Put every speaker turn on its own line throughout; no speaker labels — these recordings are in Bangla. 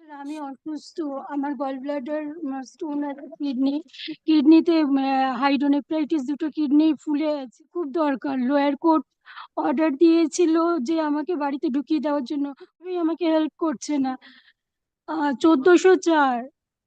আমি অসুস্থ। আমার গল ব্লাডার স্টোন আছে, কিডনিতে হাইড্রোনেফ্রাইটিস, দুটো কিডনি ফুলে আছে, খুব দরকার। লোয়ার কোর্ট অর্ডার দিয়েছিল যে আমাকে বাড়িতে ঢুকিয়ে দেওয়ার জন্য, ওই আমাকে হেল্প করছে না। 1404,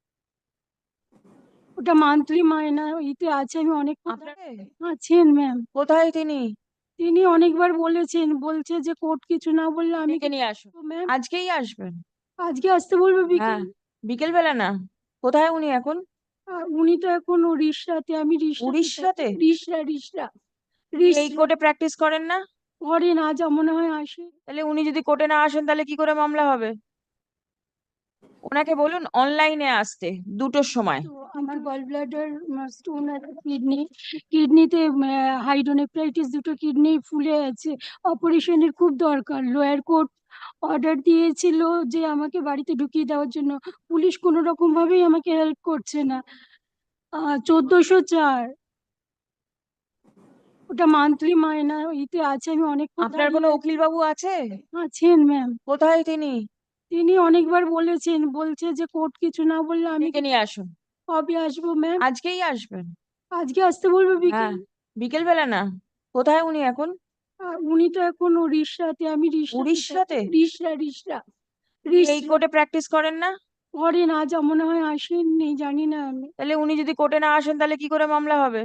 ওটা মান্থলি মায়না ইতে আছে। আমি অনেক আছেন ম্যাম।
কোথায় তিনি?
তিনি অনেকবার বলেছেন, বলছে যে কোর্ট কিছু না বললে আমি
নিয়ে আসুন।
ম্যাম
আজকেই আসবেন?
আজকে আসতে বলবো
হ্যাঁ,
বিকেল।
বিকেল বেলা না। কোথায় উনি এখন?
উনি তো এখন উড়িষ্যাতে। আমি
উড়িষ্যাতে?
রিসরা
এই কোর্টে প্র্যাকটিস করেন না?
করেন, আজ মনে হয় আসে।
তাহলে উনি যদি কোর্টে না আসেন তাহলে কি করে মামলা হবে? ওনাকে বলুন অনলাইনে আসতে 2টোর সময়।
তো আমার গল ব্লাডার স্টোন আছে, কিডনিতে হাইড্রোনেফ্রাইটিস, দুটো কিডনি ফুলে আছে, অপারেশনের খুব দরকার। লোয়ার কোর্ট অর্ডার দিয়েছিল যে আমাকে বাড়িতে ঢুকিয়ে দেওয়ার জন্য, পুলিশ কোনো রকম ভাবেই আমাকে হেল্প করছে না। 1404, ওটা মান্থলি মায়না ইতে আছে। আমি অনেক
আপনার কোনো উকিল বাবু আছে?
আছেন ম্যাম।
কোথায় তিনি?
তিনি অনেকবার বলেছেন, বলছে যে কোর্ট কিছু না বললে আমি
নিয়ে আসুন।
কবে আসবো ম্যাম?
আজকেই আসবেন?
আজকে আসতে বলবো
হ্যাঁ,
বিকেল।
বিকেল বেলা না। কোথায় উনি এখন?
উনি তো এখন উড়িষ্যাতে। আমি
উড়িষ্যাতে?
রিসরা
এই কোর্টে প্র্যাকটিস করেন না?
করেন, আজ মনে হয় আসেননি, জানি না আমি।
তাহলে উনি যদি কোর্টে না আসেন তাহলে কি করে মামলা হবে?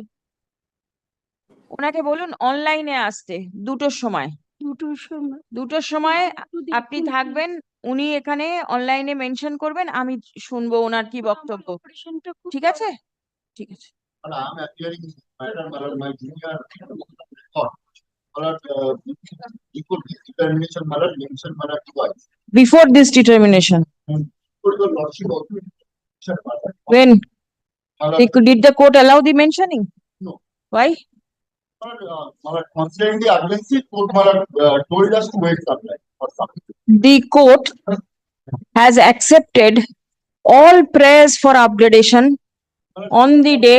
ওনাকে বলুন অনলাইনে আসতে 2টোর সময়।
2টোর সময়
আপনি থাকবেন, উনি এখানে অনলাইনে মেনশন করবেন, আমি শুনবো ওনার কি বক্তব্য।
অপারেশনটা খুব
ঠিক আছে? ঠিক আছে।
But I'm appearing in this matter, but my junior thought, but before this determination, matter mention matter twice.
Before this determination,
For your lordship also mention matter.
when
Matter,
did the court allow the mentioning?
No.
Why?
Matter considering the urgency, court matter told us to wait some time or something.
The court has accepted all prayers for upgradation on the day.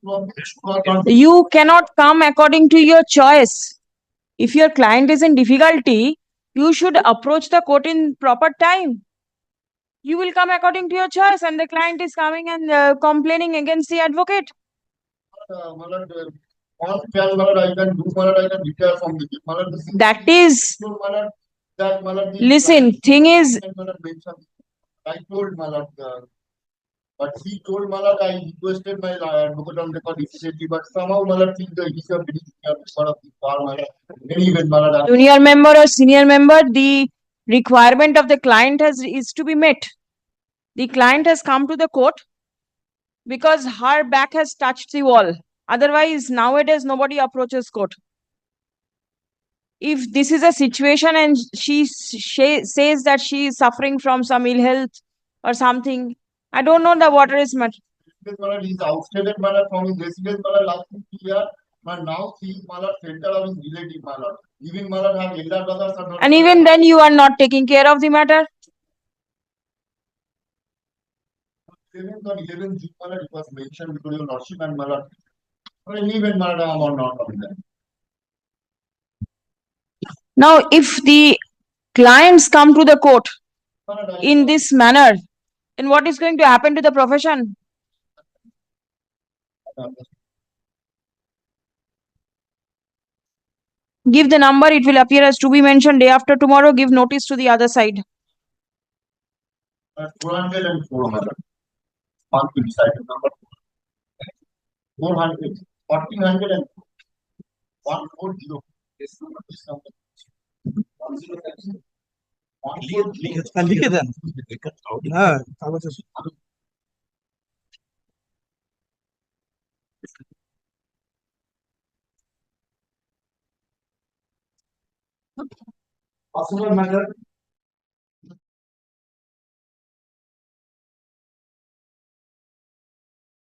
You cannot come according to your choice. If your client is in difficulty, you should approach the court in proper time. You will come according to your choice, and the client is coming and complaining against the advocate.
Matter on can matter I can do matter I can retire from the matter.
That is,
Matter that matter.
listen, thing is,
I told Malad, but he told Malad I requested my advocate on record immediately, but somehow Malad thinks that he's a very senior member of the bar, Malad. Anyway, Malad.
junior member or senior member, the requirement of the client is to be met. The client has come to the court because her back has touched the wall. Otherwise, nowadays nobody approaches court. If this is a situation and she says that she is suffering from some ill health or something, I don't know the water is much.
Malad is outstated Malad from his residence Malad last 2 years, but now he is Malad center of his relative Malad. Even Malad have elder brothers are not.
And even then you are not taking care of the matter.
7th or 11th June Malad it was mentioned because your lordship and Malad. Even Malad are not on that.
Now, if the clients come to the court in this manner, then what is going to happen to the profession? Give the number, it will appear as to be mentioned. Day after tomorrow, give notice to the other side.
404 Malad. On to decide number 400, 1400 and 140. This number.
লিখে দেন। হ্যাঁ, কাগজ আছে। Personal matter